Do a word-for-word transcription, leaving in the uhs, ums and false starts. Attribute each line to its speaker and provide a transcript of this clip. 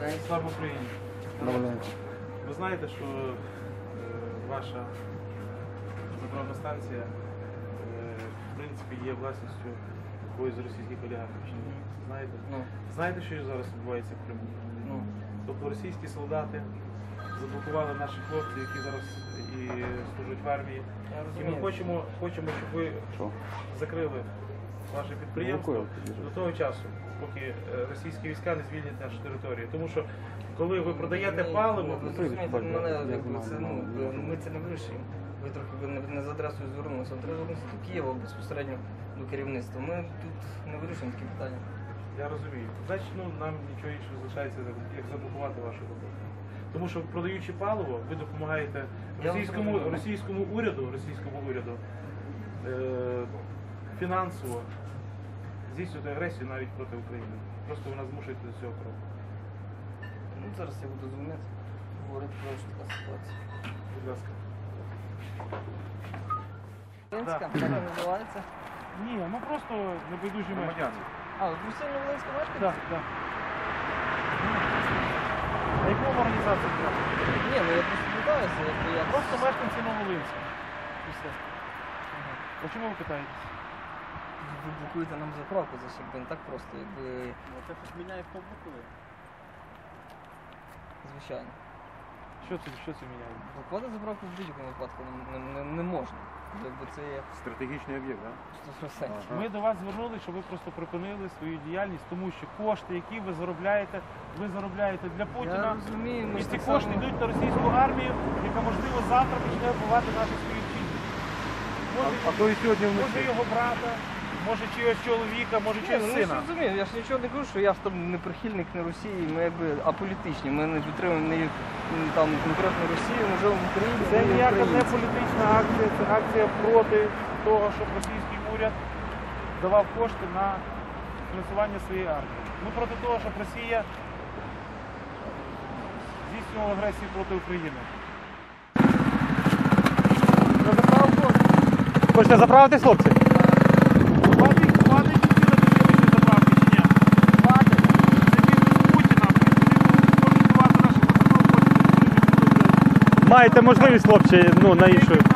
Speaker 1: Слава Україні! Ви знаєте, що е, ваша заправна станція е, в принципі є власністю якоїсь з російських олігархів? Чи ні? Знаєте?
Speaker 2: Ну.
Speaker 1: Знаєте, що зараз відбувається в Криму?
Speaker 2: Ну.
Speaker 1: Тобто російські солдати заблокували наших хлопців, які зараз і служать в армії. І ми хочемо, хочемо, щоб ви
Speaker 3: Що?
Speaker 1: закрили ваше підприємство до того часу, поки російські війська не звільнять нашу територію. Тому що коли ви продаєте паливо,
Speaker 2: ви зрозумієте, мене, якби, це, ну, ми це не вирішуємо. Ви трохи ви не, не за адресою звернулися. Треба звернутися до Києва безпосередньо до керівництва. Ми тут не вирішуємо такі питання.
Speaker 1: Я розумію. Значить, ну, нам нічого іншого залишається, як заблокувати вашу роботу. Тому що, продаючи паливо, ви допомагаєте російському, російському уряду, російському уряду е, фінансово здійснювати агресію навіть проти України. Просто вона змушує до цього кроку.
Speaker 2: Ну, зараз я буду дзвонити, говорити про що така ситуація.
Speaker 1: Будь ласка.
Speaker 2: Волинська,
Speaker 1: Так.
Speaker 2: як вона називається?
Speaker 1: Ні, ну просто небайдужі мешканці.
Speaker 2: А, ви постійно Волинська мешкаєте?
Speaker 1: Так, так. На якому організації треба?
Speaker 2: Ні, ну я просто питаюся, якби я...
Speaker 1: Просто мешканці Новолинська. І все.
Speaker 2: Ага.
Speaker 1: А чому ви питаєтесь?
Speaker 2: Ви блокуєте нам заправку за собі, не так просто, якби...
Speaker 3: Ну, це щось міняє, хто блокує.
Speaker 2: Звичайно.
Speaker 1: Що це, що це міняє?
Speaker 2: Блокувати заправку в будь-якому випадку не, не, не, не можна. Якби це є
Speaker 3: Стратегічний об'єкт, так?
Speaker 2: сто відсотків.
Speaker 1: Ми до вас звернулися, щоб ви просто припинили свою діяльність, тому що кошти, які ви заробляєте, ви заробляєте для
Speaker 2: Я
Speaker 1: Путіна.
Speaker 2: розумію, ми
Speaker 1: І
Speaker 2: ж
Speaker 1: ці
Speaker 2: так
Speaker 1: кошти
Speaker 2: само-
Speaker 1: йдуть на російську армію, яка, можливо, завтра почне вбивати наших співвітчизників. Може,
Speaker 3: А то і сьогодні
Speaker 1: може
Speaker 3: вночі.
Speaker 1: його брата, може чогось чоловіка, може
Speaker 2: Ні,
Speaker 1: чогось
Speaker 2: ну, я ж
Speaker 1: сина.
Speaker 2: розумію, я ж нічого не кажу, що я ж там не прихильник не Росії, ми якби аполітичні, ми не підтримуємо ні м, там конкретно Росію, ми живемо в Україні.
Speaker 1: Це
Speaker 2: ми
Speaker 1: ніяка не
Speaker 2: українці.
Speaker 1: політична акція, це акція проти того, щоб російський уряд давав кошти на фінансування своєї армії. Ми проти того, щоб Росія здійснювала агресію проти України.
Speaker 2: На заправку?
Speaker 3: Хочете заправитись, хлопці?
Speaker 1: Хватить, хватить цілити заправки чи ні?
Speaker 2: Хватить.
Speaker 1: Це бізнес Путіна. Вони будуть контролювати наші постановки.
Speaker 3: Маєте можливість, хлопці, ну, на іншу.